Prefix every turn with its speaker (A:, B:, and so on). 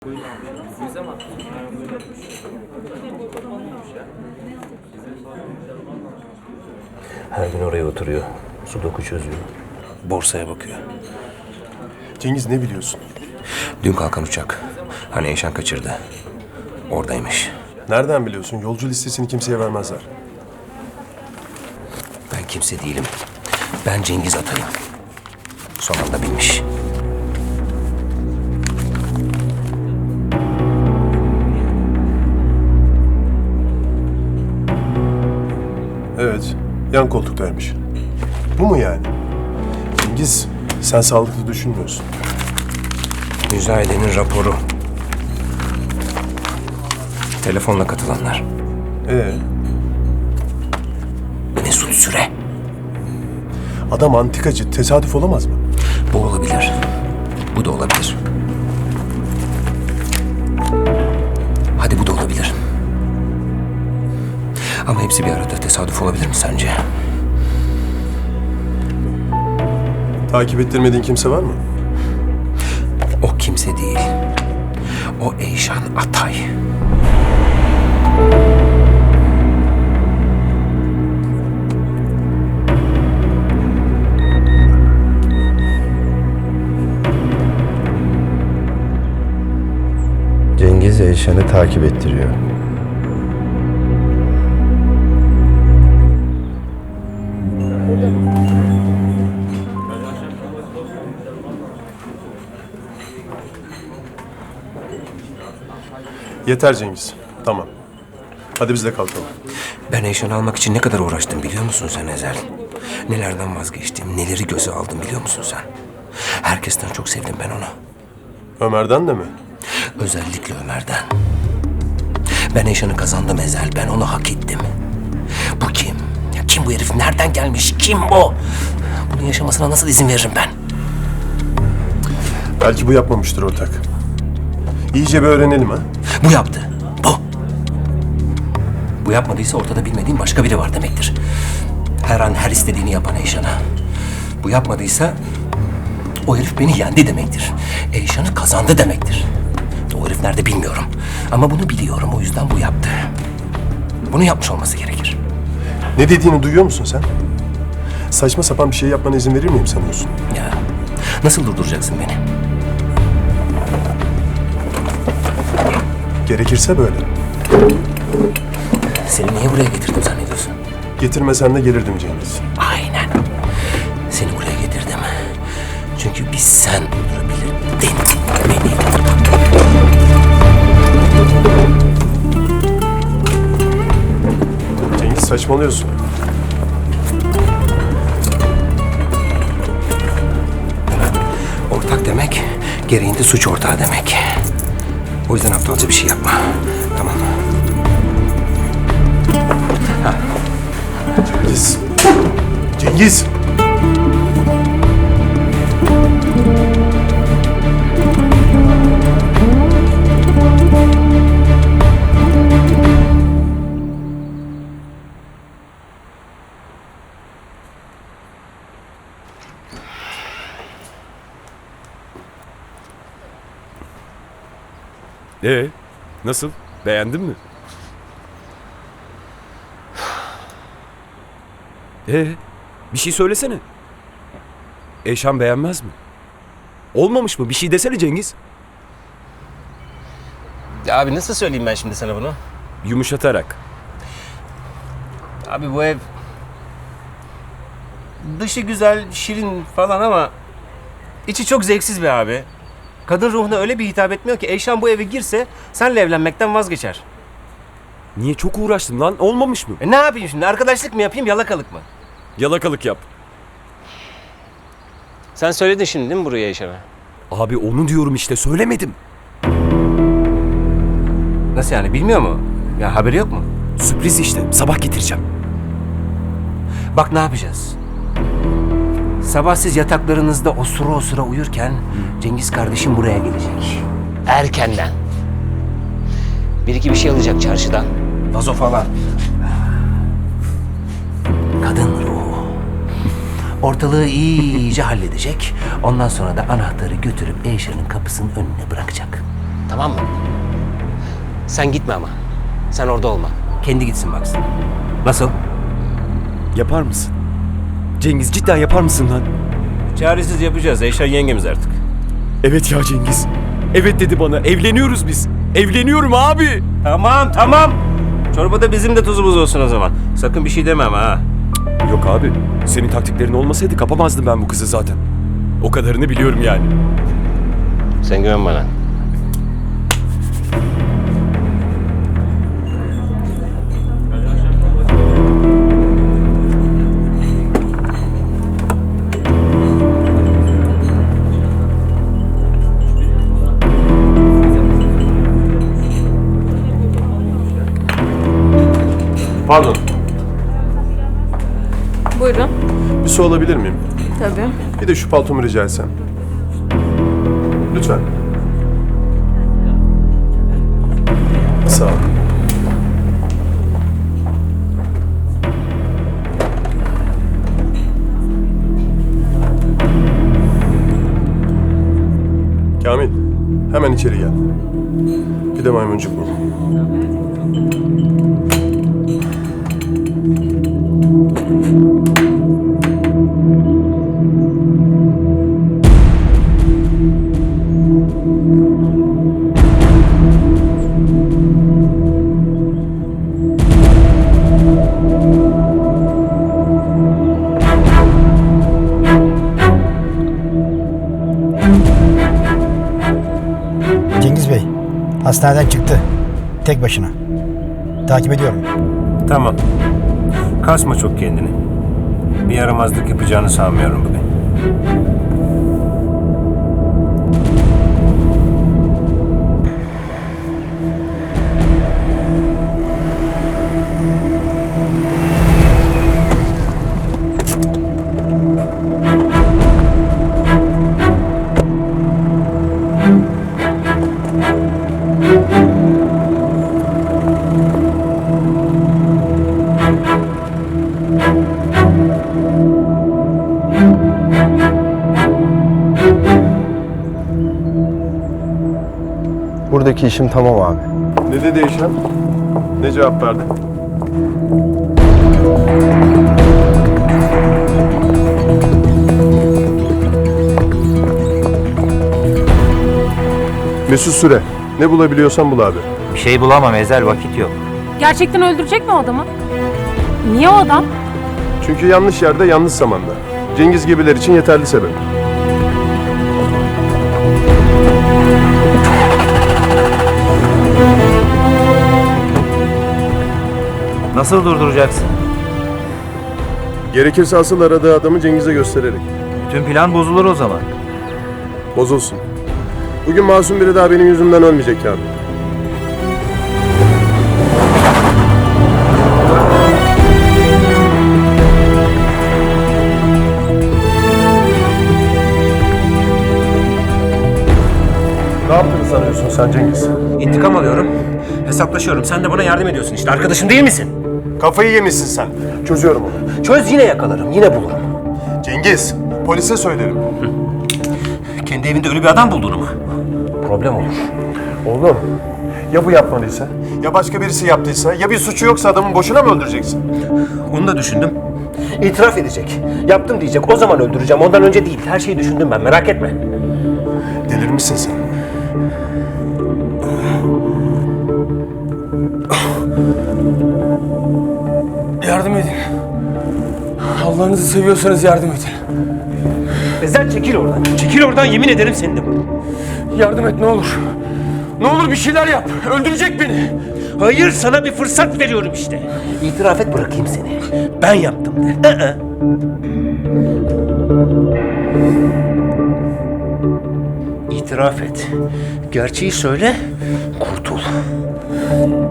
A: Her gün oraya oturuyor. Sudoku çözüyor. Borsaya bakıyor.
B: Cengiz, ne biliyorsun?
A: Dün kalkan uçak. Hani Eyşan kaçırdı. Oradaymış.
B: Nereden biliyorsun? Yolcu listesini kimseye vermezler.
A: Ben kimse değilim. Ben Cengiz Atay'ım. Son anda bilmiş.
B: Evet, yan koltuktaymış. Bu mu yani? Cengiz, sen sağlıklı düşünmüyorsun.
A: Müzayedenin raporu. Telefonla katılanlar. Mesut Süre.
B: Adam antikacı, tesadüf olamaz mı?
A: Bu olabilir. Bu da olabilir. Hadi bu da olabilir. Ama hepsi bir arada tesadüf olabilir mi sence?
B: Takip ettirmediğin kimse var mı?
A: O kimse değil. O Eyşan Atay.
C: Cengiz Eyşan'ı takip ettiriyor.
B: Yeter Cengiz. Tamam. Hadi biz de kalkalım.
A: Ben Eyşan'ı almak için ne kadar uğraştım biliyor musun sen Ezel? Nelerden vazgeçtim, neleri göze aldım biliyor musun sen? Herkesten çok sevdim ben onu.
B: Ömer'den de mi?
A: Özellikle Ömer'den. Ben Eyşan'ı kazandım Ezel, ben onu hak ettim. Bu kim? Ya kim bu herif? Nereden gelmiş? Kim bu? Bunun yaşamasına nasıl izin veririm ben?
B: Belki bu yapmamıştır ortak. İyice bir öğrenelim ha.
A: Bu yaptı. Bu. Bu yapmadıysa ortada bilmediğim başka biri var demektir. Her an her istediğini yapan Eyşan'a. Bu yapmadıysa o herif beni yendi demektir. Eyşan'ı kazandı demektir. O herif nerede bilmiyorum. Ama bunu biliyorum. O yüzden bu yaptı. Bunu yapmış olması gerekir.
B: Ne dediğini duyuyor musun sen? Saçma sapan bir şey yapmana izin verir miyim sanıyorsun?
A: Ya nasıl durduracaksın beni?
B: Gerekirse böyle.
A: Seni niye buraya getirdim zannediyorsun?
B: Getirmesen de gelirdim Cengiz.
A: Aynen. Seni buraya getirdim. Çünkü biz sen durdurabilirdin beni.
B: Cengiz, saçmalıyorsun.
A: Ortak demek, gereğinde suç ortağı demek. O yüzden aptalca bir şey yapma. Tamam mı?
B: Cengiz. Cengiz.
D: Nasıl? Beğendin mi? Bir şey söylesene. Eyşan beğenmez mi? Olmamış mı? Bir şey desene Cengiz.
E: Ya abi nasıl söyleyeyim ben şimdi sana bunu?
D: Yumuşatarak.
E: Abi bu ev... Dışı güzel, şirin falan ama... içi çok zevksiz be abi. Kadın ruhuna öyle bir hitap etmiyor ki Eyşan bu eve girse senle evlenmekten vazgeçer.
D: Niye çok uğraştın lan? Olmamış mı?
E: Ne yapayım şimdi? Arkadaşlık mı yapayım, yalakalık mı?
D: Yalakalık yap.
E: Sen söyledin şimdi değil mi buraya Eyşan'a?
D: Abi onu diyorum işte, söylemedim.
E: Nasıl yani? Bilmiyor mu? Ya haberi yok mu?
D: Sürpriz işte. Sabah getireceğim.
E: Bak ne yapacağız? Sabah siz yataklarınızda osura uyurken Cengiz kardeşim buraya gelecek. Erkenden. Bir iki bir şey alacak çarşıdan. Vazo falan. Kadın ruhu. Ortalığı iyice halledecek. Ondan sonra da anahtarı götürüp Eyşan'ın kapısının önüne bırakacak. Tamam mı? Sen gitme ama. Sen orada olma. Kendi gitsin baksın. Nasıl?
D: Yapar mısın? Cengiz cidden yapar mısın lan?
A: Çaresiz yapacağız. Eyşan yengemiz artık.
D: Evet ya Cengiz. Evet dedi bana. Evleniyoruz biz. Evleniyorum abi.
A: Tamam tamam. Çorbada bizim de tuzumuz olsun o zaman. Sakın bir şey demem ha.
D: Yok abi. Senin taktiklerin olmasaydı kapamazdım ben bu kızı zaten. O kadarını biliyorum yani.
E: Sen güven bana.
B: Pardon.
F: Buyurun.
B: Bir su alabilir miyim?
F: Tabii.
B: Bir de şu paltomu rica etsem. Lütfen. Sağ ol. Kamil, hemen içeri gel. Bir de maymuncuk bul.
G: Cengiz Bey, hastaneden çıktı. Tek başına. Takip ediyorum.
A: Tamam. Kasma çok kendini. Bir yaramazlık yapacağını sanmıyorum bugün.
C: Buradaki işim tamam abi.
B: Ne dedi Eyşan? Ne cevap verdi? Mesut Süre. Ne bulabiliyorsan bul abi.
H: Bir şey bulamam Ezel, vakit yok.
F: Gerçekten öldürecek mi o adamı? Niye o adam?
B: Çünkü yanlış yerde, yanlış zamanda. Cengiz gibiler için yeterli sebep.
H: Nasıl durduracaksın?
B: Gerekirse asıl aradığı adamı Cengiz'e göstererek.
H: Bütün plan bozulur o zaman.
B: Bozulsun. Bugün masum biri daha benim yüzümden ölmeyecek abi. Ne yaptığını sanıyorsun sen Cengiz?
A: İntikam alıyorum. Hesaplaşıyorum. Sen de bana yardım ediyorsun işte. Arkadaşım değil misin?
B: Kafayı yemişsin sen. Çözüyorum onu.
A: Çöz yine yakalarım. Yine bulurum.
B: Cengiz, polise söylerim.
A: Kendi evinde ölü bir adam bulduğunu mu? Problem olur.
B: Oğlum, ya bu yapmadıysa? Ya başka birisi yaptıysa? Ya bir suçu yoksa adamın boşuna mı öldüreceksin?
A: Onu da düşündüm. İtiraf edecek. Yaptım diyecek. O zaman öldüreceğim. Ondan önce değil. Her şeyi düşündüm ben. Merak etme.
B: Delirmişsin sen.
I: Yardım edin. Allah'ınızı seviyorsanız yardım edin.
A: Ezel çekil oradan. Çekil oradan. Yemin ederim seni de bulurum.
I: Yardım et ne olur. Ne olur bir şeyler yap. Öldürecek beni.
A: Hayır, sana bir fırsat veriyorum işte. İtiraf et, bırakayım seni. Ben yaptım de. İtiraf et. Gerçeği söyle, kurtul.